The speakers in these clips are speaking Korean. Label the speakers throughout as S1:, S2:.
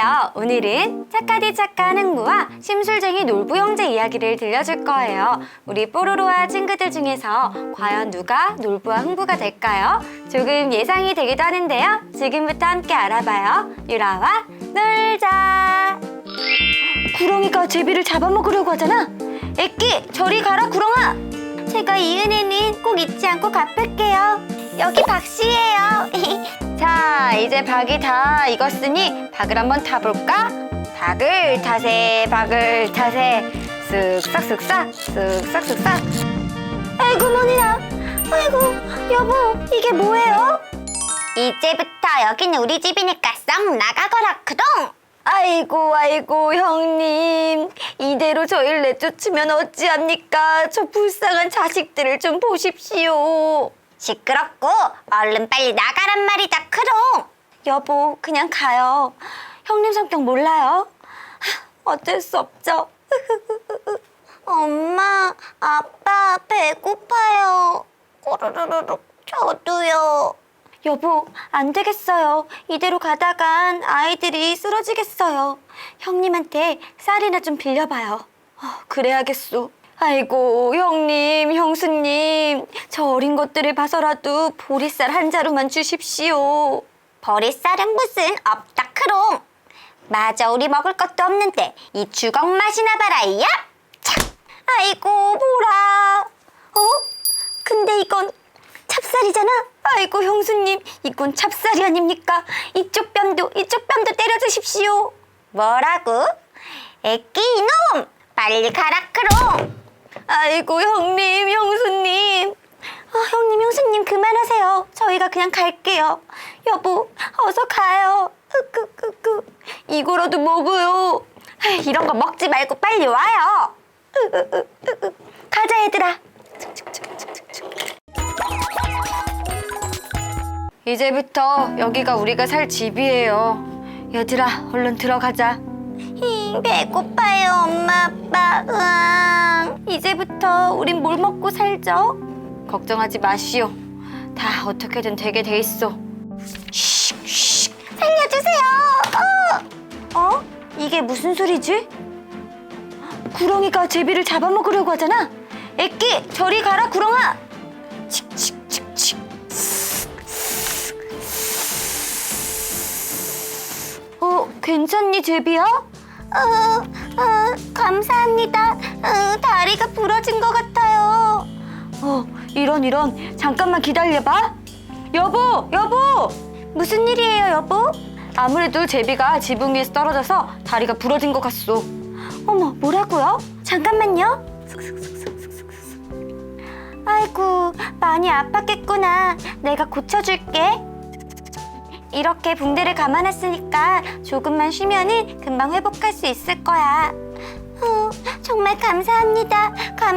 S1: 안녕하세요. 오늘은 착하디 착한 흥부와 심술쟁이 놀부 형제 이야기를 들려줄 거예요. 우리 뽀로로와 친구들 중에서 과연 누가 놀부와 흥부가 될까요? 조금 예상이 되기도 하는데요. 지금부터 함께 알아봐요. 유라와 놀자. 구렁이가 제비를 잡아먹으려고 하잖아. 애끼, 저리 가라 구렁아. 제가 이 은혜는 꼭 잊지 않고 갚을게요. 여기 박씨예요. 자, 이제 박이 다 익었으니 박을 한번 타볼까? 박을 타세, 박을 타세. 쓱싹 쓱싹, 쓱싹 쓱싹. 아이고 머니나. 아이고 여보, 이게 뭐예요? 이제부터 여기는 우리 집이니까 썩 나가거라 크동. 아이고 형님, 이대로 저희를 내쫓으면 어찌합니까? 저 불쌍한 자식들을 좀 보십시오. 시끄럽고 얼른 빨리 나가란 말이다 크롱. 여보, 그냥 가요. 형님 성격 몰라요? 어쩔 수 없죠. 엄마, 아빠 배고파요. 꼬르르륵. 저도요. 여보, 안 되겠어요. 이대로 가다간 아이들이 쓰러지겠어요. 형님한테 쌀이나 좀 빌려봐요. 그래야겠소. 아이고 형님, 형수님, 저 어린 것들을 봐서라도 보리쌀 한 자루만 주십시오. 보리쌀은 무슨 없다 크롱. 맞아, 우리 먹을 것도 없는데 이 주걱 맛이나 봐라. 야! 착! 아이고 보라. 근데 이건 찹쌀이잖아. 아이고 형수님, 이건 찹쌀이 아닙니까? 이쪽 뺨도 때려주십시오. 뭐라고? 애끼 이놈, 빨리 가라 크롱. 아이고 형님, 형수님. 형님, 형수님 그만하세요. 저희가 그냥 갈게요. 여보, 어서 가요. 이거라도 먹어요. 이런 거 먹지 말고 빨리 와요. 가자 얘들아. 이제부터 여기가 우리가 살 집이에요. 얘들아, 얼른 들어가자. 배고파요, 엄마, 아빠. 으앙. 이제부터 우린 뭘 먹고 살죠? 걱정하지 마시오. 다 어떻게든 되게 돼 있어. 쉿, 살려주세요. 이게 무슨 소리지? 구렁이가 제비를 잡아먹으려고 하잖아. 애끼, 저리 가라 구렁아. 칙칙칙칙. 괜찮니 제비야? 감사합니다. 다리가 부러진 것 같아요. 이런. 잠깐만 기다려봐. 여보. 무슨 일이에요, 여보? 아무래도 제비가 지붕 위에서 떨어져서 다리가 부러진 것 같소. 어머, 뭐라고요? 잠깐만요. 아이고, 많이 아팠겠구나. 내가 고쳐줄게. 이렇게 붕대를 감아놨으니까 조금만 쉬면은 금방 회복할 수 있을 거야. 정말 감사합니다.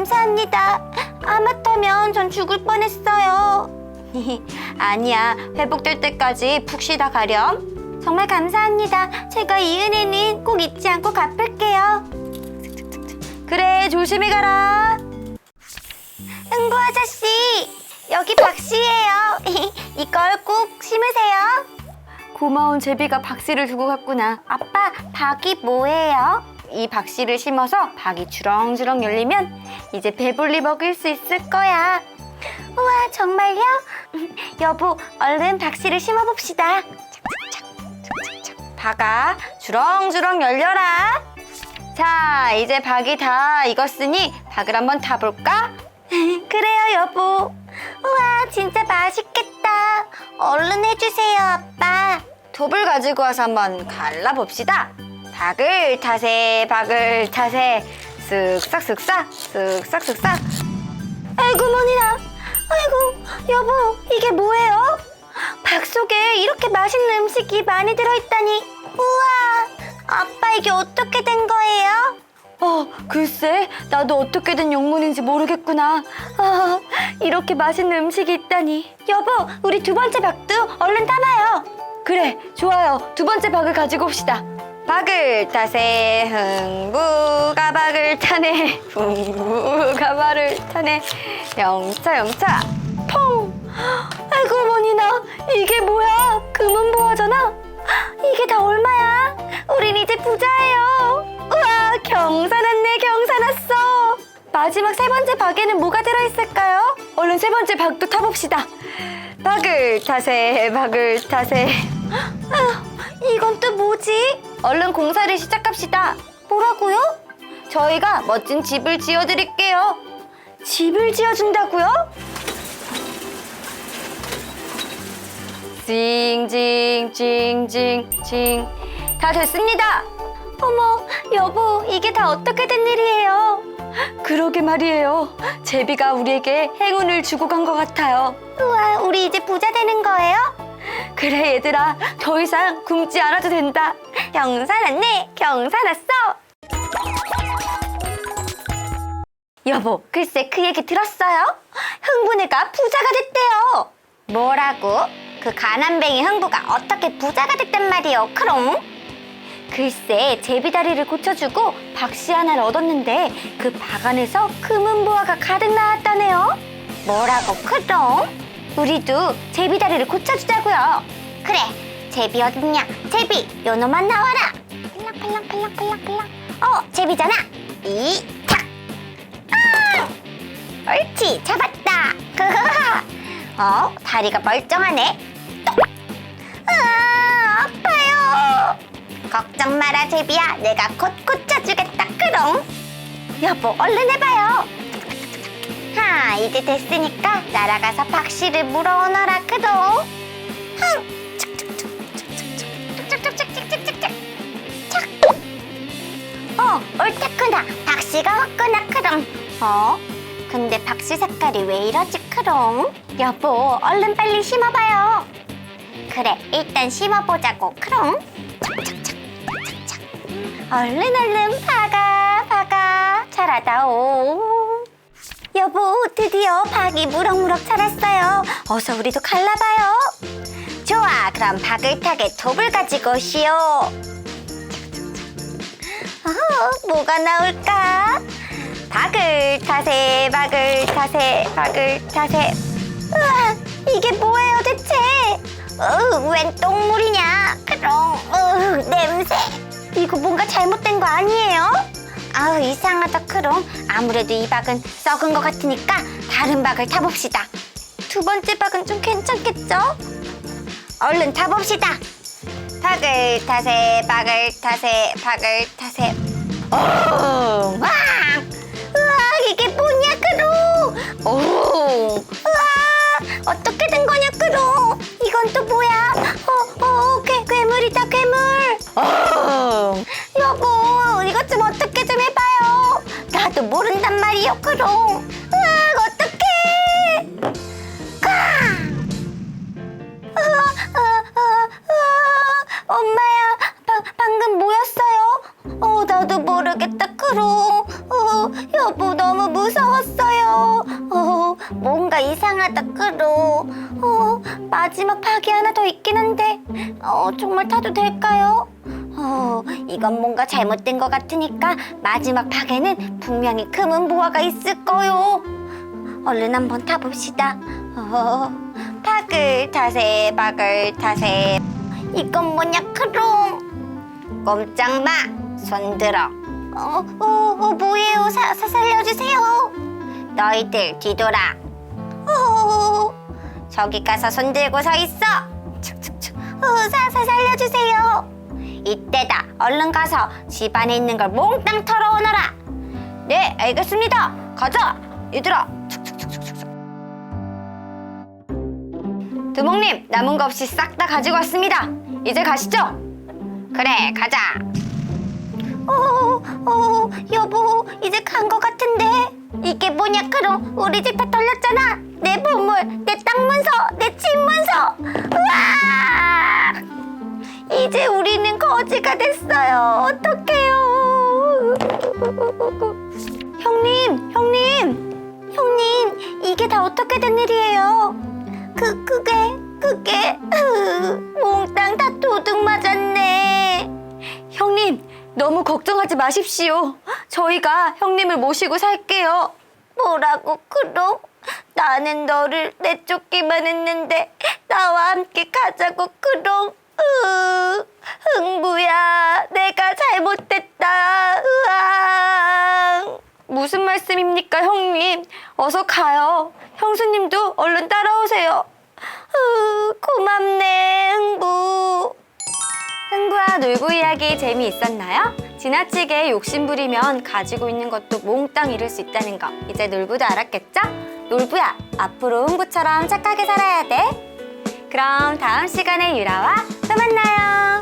S1: 하마터면 전 죽을 뻔했어요. 아니야, 회복될 때까지 푹 쉬다 가렴. 정말 감사합니다. 제가 이 은혜는 꼭 잊지 않고 갚을게요. 그래, 조심히 가라. 흥부 아저씨, 여기 박씨예요. 이걸 꼭 심으세요. 고마운 제비가 박씨를 두고 갔구나. 아빠, 박이 뭐예요? 이 박씨를 심어서 박이 주렁주렁 열리면 이제 배불리 먹을 수 있을 거야. 우와, 정말요? 여보, 얼른 박씨를 심어봅시다. 박아, 주렁주렁 열려라. 자, 이제 박이 다 익었으니 박을 한번 타볼까? 그래요, 여보. 우와, 진짜 맛있겠다. 얼른 해주세요, 아빠. 톱을 가지고 와서 한번 갈라봅시다. 박을 타세, 쓱싹. 아이고 머니나. 아이고 여보, 이게 뭐예요? 박 속에 이렇게 맛있는 음식이 많이 들어있다니. 우와, 아빠 이게 어떻게 된 거예요? 글쎄, 나도 어떻게 된 영문인지 모르겠구나. 이렇게 맛있는 음식이 있다니. 여보, 우리 두 번째 박도 얼른 타봐요. 그래, 좋아요. 두 번째 박을 가지고 옵시다. 박을 타세, 흥부가 박을 타네. 흥부가 박을 타네. 영차. 퐁! 아이고 머니나, 이게 뭐야? 금은보화잖아. 이게 다 얼마야? 우린 이제 부자예요. 우와, 경사 났네, 경사 났어. 마지막 세 번째 박에는 뭐가 들어있을까요? 얼른 세 번째 박도 타봅시다. 박을 타세, 박을 타세. 이건 또 뭐지? 얼른 공사를 시작합시다. 뭐라고요? 저희가 멋진 집을 지어드릴게요. 집을 지어준다고요? 징징징징징 다 됐습니다. 어머, 여보, 이게 다 어떻게 된 일이에요? 그러게 말이에요. 제비가 우리에게 행운을 주고 간 것 같아요. 우와, 우리 이제 부자 되는 거예요? 그래, 얘들아, 더 이상 굶지 않아도 된다. 경사 났네, 경사 났어. 여보, 글쎄 그 얘기 들었어요? 흥부네가 부자가 됐대요. 뭐라고? 그 가난뱅이 흥부가 어떻게 부자가 됐단 말이요, 크롱? 글쎄, 제비다리를 고쳐주고 박씨 하나를 얻었는데 그 박 안에서 금은보화가 가득 나왔다네요. 뭐라고, 크롱? 우리도 제비다리를 고쳐주자고요. 그래, 제비 어딨냐? 제비, 요놈만 나와라. 팔랑팔랑팔랑팔랑팔랑. 제비잖아. 이탁. 옳지, 잡았다. 다리가 멀쩡하네. 아파요. 걱정 마라, 제비야. 내가 곧 고쳐주겠다, 크롱. 여보, 얼른 해봐요. 이제 됐으니까 날아가서 박씨를 물어오너라, 크롱. 옳다구나. 박씨가 왔구나, 크롱. 근데 박씨 색깔이 왜 이러지, 크롱? 여보, 얼른 빨리 심어봐요. 그래, 일단 심어보자고, 크롱. 착착착. 얼른 박아. 잘하다오. 여보, 드디어 박이 무럭무럭 자랐어요. 어서 우리도 갈라봐요. 좋아, 그럼 박을 타게 톱을 가지고 오시오. 뭐가 나올까? 박을 타세. 우와, 이게 뭐예요 대체? 웬 똥물이냐? 그럼 냄새. 이거 뭔가 잘못된 거 아니에요? 이상하다, 크롱. 아무래도 이 박은 썩은 것 같으니까 다른 박을 타봅시다. 두 번째 박은 좀 괜찮겠죠? 얼른 타봅시다. 박을 타세. 우와, 이게 뭐냐, 크롱? 우와, 어떻게 된 거냐, 크롱? 이건 또 뭐야? 괴물이다, 괴물. 여보, 이것 좀 어떻게 좀 해봐요. 나도 모른단 말이요, 크롱. 어떡해. 엄마야, 방금 뭐였어요? 나도 모르겠다, 크롱. 여보, 너무 무서웠어요. 뭔가 이상하다, 크롱. 마지막 박이 하나 더 있긴 한데 정말 타도 될까요? 이건 뭔가 잘못된 것 같으니까 마지막 박에는 분명히 금은보화가 있을 거요. 얼른 한번 타봅시다. 박을 타세. 이건 뭐냐, 크롱? 꼼짝 마. 손 들어. 뭐예요? 살려주세요. 너희들 뒤돌아. 저기 가서 손 들고 서 있어. 살려주세요. 이때다. 얼른 가서 집 안에 있는 걸 몽땅 털어오너라. 네, 알겠습니다. 가자, 얘들아. 두목님, 남은 거 없이 싹 다 가지고 왔습니다. 이제 가시죠. 그래, 가자. 여보, 이제 간 거 같은데. 이게 뭐냐, 크롱? 우리 집 다 털렸잖아. 내 보물, 내 땅 문서, 내 집 문서. 우와! 이제 우리는 거지가 됐어요. 어떡해요? 형님, 이게 다 어떻게 된 일이에요? 그게 몽땅 다 도둑 맞았네. 형님, 너무 걱정하지 마십시오. 저희가 형님을 모시고 살게요. 뭐라고, 크롱? 나는 너를 내쫓기만 했는데 나와 함께 가자고, 크롱. 흥부야, 내 말씀입니까, 형님? 어서 가요. 형수님도 얼른 따라오세요. 고맙네, 흥부. 흥부와 놀부 이야기 재미있었나요? 지나치게 욕심부리면 가지고 있는 것도 몽땅 잃을 수 있다는 거 이제 놀부도 알았겠죠? 놀부야, 앞으로 흥부처럼 착하게 살아야 돼. 그럼 다음 시간에 유라와 또 만나요.